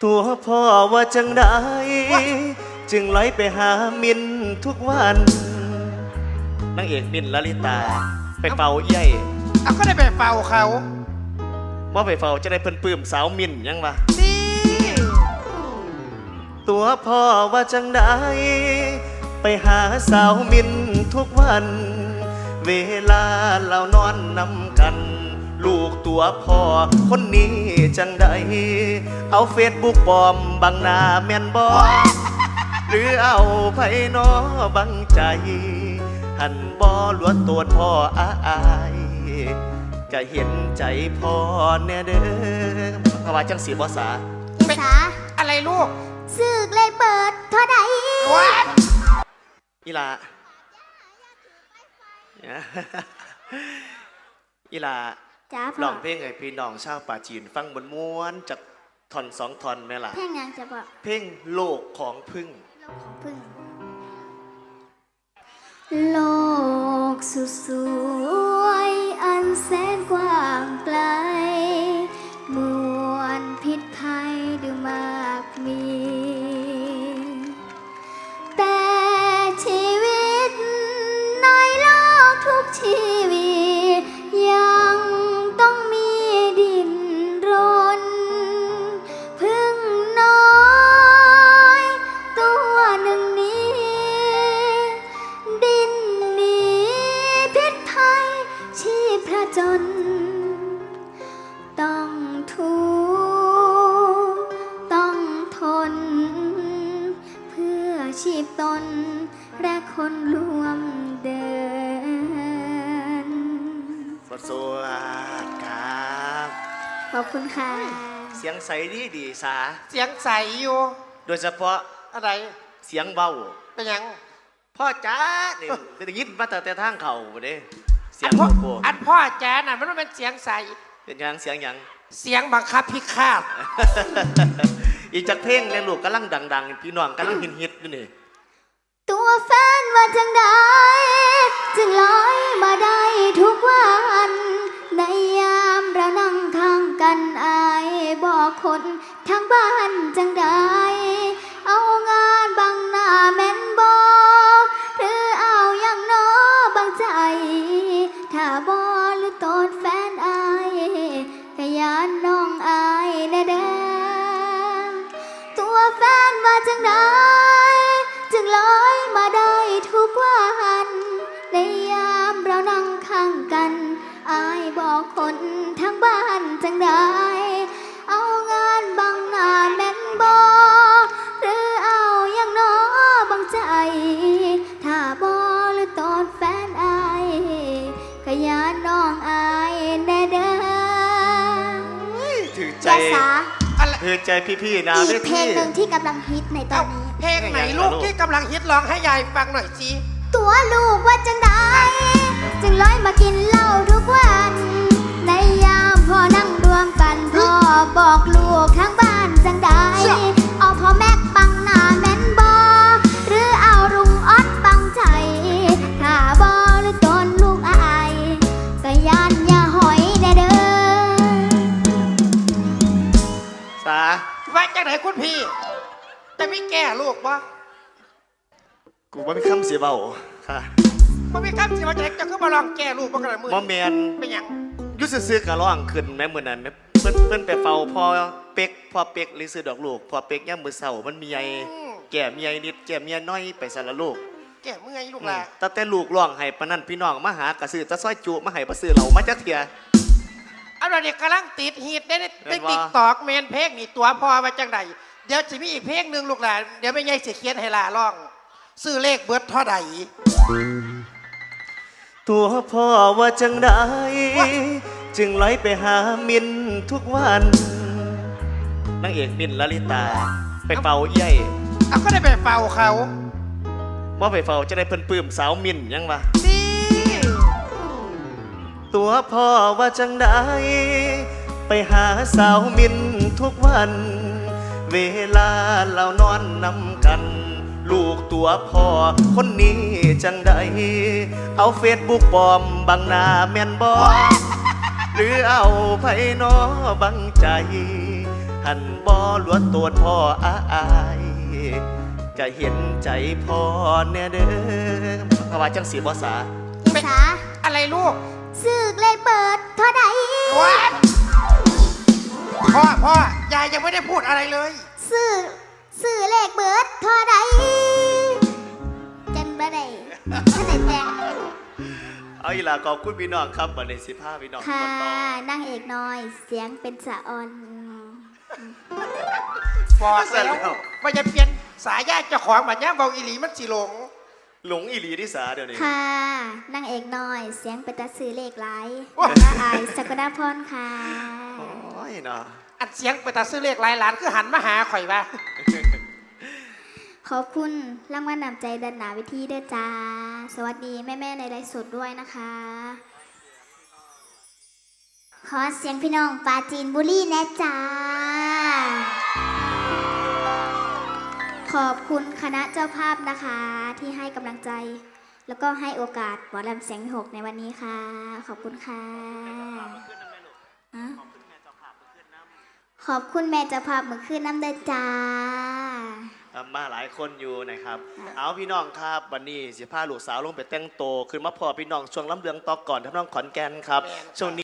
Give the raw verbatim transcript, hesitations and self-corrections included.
ตัวพ่อว่าจังได้จึงไหลไปหามินทุกวันนางเอกมินลลิตาไปเฝ้าเอี้ยเอาก็ได้ไปเฝ้าเขาว่าไปเฝ้าจะได้เพิ่นปื้มสาวมินยังวะนี่ตัวพ่อว่าจังได้ไปหาสาวมินทุกวันเวลาเรานอนนำกันลูกตัวพ่อคนนี้จังได้เอาเฟซบุ๊กปลอมบังหน้าแม่นบอหรือเอาไผน้อบังใจหันบอล้วนตัวพ่ออาอายก็เห็นใจพ่อแน่เด้อเพราะว่าจังสีภาษาภาษาอะไรลูกสึกเลยเปิดเท่าใดอีลาอีลาลองเพลงไอ้พี่น้องชาวป่าจีนฟังบนม้วนจากท่อนสองท่อนไหมล่ะเพลงยังจะบอกเพลงโลกของพึ่งโลกของพึ่งโลกสุดสวยอันแสนกว้างไกลมวลพิษภัยดูมากมีแต่ชีวิตในโลกทุกชีวิตยังต้องมีดินรนพึ่งน้อยตัวหนึ่งนี้ดินหนีพิษภัยชีพจนต้องทุกข์ต้องทนเพื่อชีพตนและคนร่วมเดินสวัสดีครับขอบคุณค่ะเสียงใสดีดีสาเสียงใสอยู่โดยเฉพาะอะไรเสียงเบาเป็นยังพ่อจ้าเนี่ยได้ยินมาแต่แต่ทางเขาเด้เสียงพ่ออันพ่อจ้าน่ะมันต้องเป็นเสียงใสเป็นยังเสียงยังเสียงบังคับพิฆาตอีกจากเพลงเลยลูกกำลังดังๆพี่น้องกำลังฮิตๆอยู่นี่ตัวแฟนว่าจังได้จึงลอยมาได้ทุกวันในยามเรานั่งทางกันอายบอกคนทางบ้านจังได้เอางานบังหน้าแม่นบอหรือเอาอย่างน้อบางใจถ้าบอหรือตนแฟนอายขยันน้องอายแน่เด้อตัวแฟนว่าจังได้จึงลอยมาได้ทุกวันในยามเรานั่งข้างกันอายบอกคนทั้งบ้านจังได้เอางานบังหน้าแม่นบอหรือเอาอย่างน้อบางใจถ้าบอหรือตอนแฟนอายขยันน้องอายแน่เด้อถือใจถือใจพี่ๆนะอีกเพลงหนึ่งที่กำลังฮิตในตอนนี้เพลงไหนลูกที่กำลังฮิตร้องให้ยายฟังหน่อยสิตัวลูกว่าจังได้จึงร้อยมากินเหล้าทุกวันในยามพ่อนั่งรวมกันพ่อบอกลูกข้างบ้านจังได้เอาพ่อแม่ปังหน้าแม่นบอหรือเอารุงออดปังใจถ้าบอหรือตนลูกอายก็ยันอย่าหอยแน่เด้อสาว่าจังไหนคุณพี่จะไม่แก่ลูกวะกูว่ามีคำเสียเบาค่ะมันมีคำเสียเบาจะจะขึ้นมาลองแก่ลูกบ้างกันมือมอแมนเป็นยังยุสซื้อกะร้องขึ้นแม่เหมือนนั้นเพิ่นเพิ่นไปเฝ้าพ่อเป็กพ่อเป็กหรือซื้อดอกลูกพ่อเป็กย่ำมือเสามันมีไอ้แก่มีไอ้นิดแก่มีไอ้น้อยไปสารลูกแก่เมื่อยลูกละแต่แต่ลูกร้องให้ปนั่นพี่น้องมาหากระซื้อตะซ้อยจุมาให้ประซื้อเหล่ามาจักเถียเอาเราเนี่ยกำลังติดฮิตได้ได้ติ๊กตอกเมนเพลงนี่ตัวพ่อมาจังใดเดี๋ยวจะมีอีกเพลงหนึ่งลูกหลานเดี๋ยวไม่ใหญ่เสียเคียนให้ลาร้องซื้อเลขเบิร์ดเท่าใดตัวพ่อว่าจังได้จึงไหลไปหามินทุกวันนางเอกมินลลิตาไปเฝ้าเอี้ยเอาก็ได้ไปเฝ้าเขาว่าไปเฝ้าจะได้เพิ่นปื้มสาวมินยังวะนี่ตัวพ่อว่าจังได้ไปหาสาวมินทุกวันเวลาเรานอนนำกันลูกตัวพ่อคนนี้จังได้เอาเฟซบุ๊กปลอมบังหน้าแม่นบอหรือเอาไผน้อบังใจหันบ่หลวดตัวพ่ออาอายก็เห็นใจพ่อแน่เด้อเพราะว่าจังสีบ่สาอีสาอะไรลูกซื้อเลขเบิดเท่าใดว้าพ่อพ่อยายยังไม่ได้พูดอะไรเลยซื้อซื้อเลขเบิดเท่าใดจันบ่ได้ท่านไหนแต่งเอาอีหล่ะขอบคุณพี่น้องครับบัดนี้สิพาพี่น้องค่ะก่อนต่อนางเอกน้อยเสียงเป็นสะออนบอกแล้วว่าจะเปลี่ยนสายญาติเจ้าของบัดย่างเบาอีหลีมันสิหลงหลงอีหลีที่สาเดี๋ยวนี้ค่ะนางเอกน้อยเสียงเป็นตาซื้อเลขหลายโอ้ยละอายสกดาพรค่ะโอ้ยเนาะอัดเสียงไปตาซื้อเลขหลายหลานคือหันมาหาข่อยว่าขอบคุณรางวัลนำใจดันหนาวิธีเด้อจ้า สวัสดีแม่ๆในไลฟ์สดด้วยนะคะ ขอเสียงพี่น้องปาจีนบุรีแนะจ้า ขอบคุณคณะเจ้าภาพนะคะที่ให้กำลังใจ แล้วก็ให้โอกาสหมอลำเสียงหกในวันนี้ค่ะ ขอบคุณค่ะอะขอบคุณแม่เจ้าภาพมือขึ้นน้ำเด้อจ้ามาหลายคนอยู่นะครับ เอาพี่น้องครับวันนี้สิพาลูกสาวลงไปแต่งโตวขึ้นมาพอพี่น้องช่วงลำเลืองต่อก่อนท่านน้องขอนแก่นครับช่วงนี้